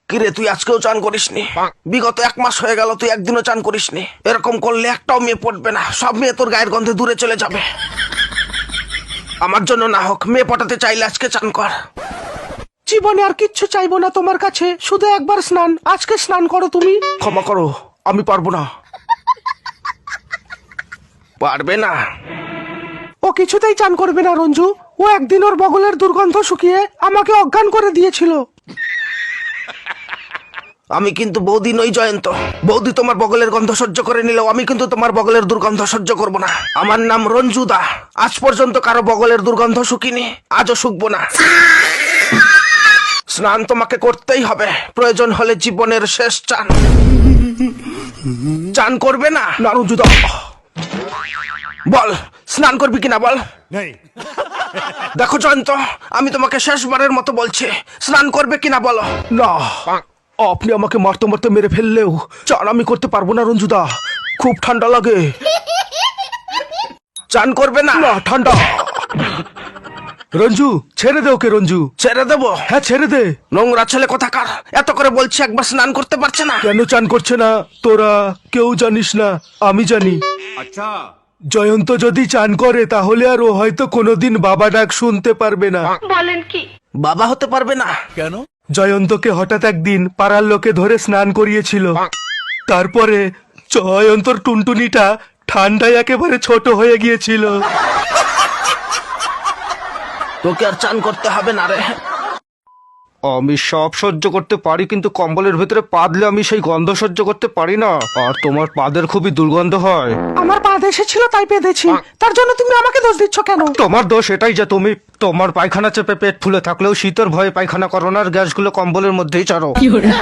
কিরে তুই আজকেও চান করিসনি? বিগত 1 মাস হয়ে গেল তুই একদিনও চান করিসনি। এরকম করলে একটাও মেয়ে পড়বে না, সব মেয়ে তোর গায়ের গন্ধে দূরে চলে যাবে। আমার জন্য না হোক, মেয়ে পটাতে চাইলে আজকে চান কর। জীবনে আর কিচ্ছু চাইবো না তোমার কাছে, শুধু একবার স্নান। আজকে স্নান করো তুমি। ক্ষমা করো, আমি পারবো না। পারবে না? ও কিছুতেই চান করবে না রঞ্জু। ও একদিন ওর বগলের দুর্গন্ধ শুকিয়ে আমাকে অজ্ঞান করে দিয়েছিল। আমি কিন্তু বৌদি নই জয়ন্ত। বৌদি তোমার বগলের গন্ধ সহ্য করে নিলেও আমি কিন্তু তোমার বগলের দুর্গন্ধ সহ্য করব না। আমার নাম রঞ্জুদা। আজ পর্যন্ত কারো বগলের দুর্গন্ধ শুকিনি, আজও শুকবো না। স্নান তোমাকে করতেই হবে, প্রয়োজন হলে জীবনের শেষ চান। চান করবে না? না রঞ্জুদা। বল স্নান করবি কিনা বল। দেখো জয়ন্ত, আমি তোমাকে শেষবারের মতো বলছি, স্নান করবে কিনা বলো। না, আপনি আমাকে মারতে মারতে মেরে ফেললেও চান আমি করতে পারবো না রঞ্জুদা। খুব ঠান্ডা লাগে। চান করবে না? না, ঠান্ডা। রঞ্জু ছেড়ে দে ওকে। রঞ্জু ছেড়ে দেবো? হ্যাঁ ছেড়ে দে। নোংরা ছেলে কোথাকার, এত করে বলছি একবার স্নান করতে পারছে না। কেন চান করছে না তোরা কেউ জানিস না, আমি জানি। अच्छा জয়ন্ত যদি চান করে তাহলে আর ও হয়তো কোনোদিন বাবা ডাক শুনতে পারবে না। বাবা হতে পারবে না? কেন? জয়ন্তকে হঠাৎ একদিন পাড়ার লোকে ধরে স্নান করিয়েছিল। তারপরে জয়ন্তর টুনটুনিটা ঠান্ডায় একেবারে ছোট হয়ে গিয়েছিল। তোকে আর চান করতে হবে না রে। আমি সব সহ্য করতে পারি, কিন্তু কম্বলের ভিতরে পা দিলে আমি সেই গন্ধ সহ্য করতে পারি না। আর তোমার পাদের খুবই দুর্গন্ধ হয়। আমার পা এসেছিল তাই পেয়েছি, তার জন্য তুমি আমাকে দোষ দিচ্ছ কেন? তোমার দোষ এটাই যে তুমি তোমার পায়খানা চেপে পেট ফুলে থাকলেও শীতের ভয়ে পায়খানা করো না, আর গ্যাসগুলো কম্বলের মধ্যেই ছাড়ো।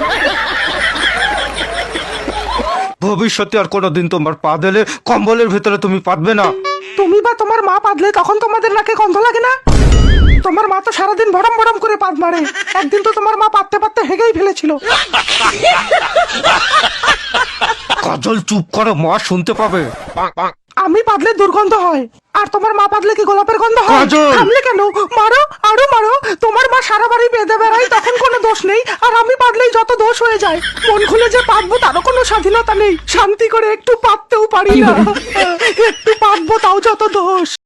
ভবিষ্যতে আর কোনোদিন তোমার পা দিলে কম্বলের ভিতরে তুমি পাতবে না। তুমি বা তোমার মা পাদলে তখন তোমাদের নাকে গন্ধ লাগে না? তোমার মা তো সারাদিন ভরম ভরম করে পাদ মারে। একদিন তো তোমার মা পাততে পাততে হেগেই ফেলেছিল। কাজল চুপ করো, মা শুনতে পাবে। আমি পাদলে দুর্গন্ধ হয়, আর তোমার মা পাদলে কি গোলাপের গন্ধ হয়? কাজল! থামলে কেন? মারো, আরো মারো। তোমার মা সারা বাড়ি বেঁধে বেড়ায়, তখন কোনো দোষ নেই। আর আমি পাদলেই যত দোষ হয়ে যায়। মন খুলে যে পাতবো তারও কোনো স্বাধীনতা নেই। শান্তি করে একটু পাততেও পারি না। একটু পাতবো তাও যত দোষ।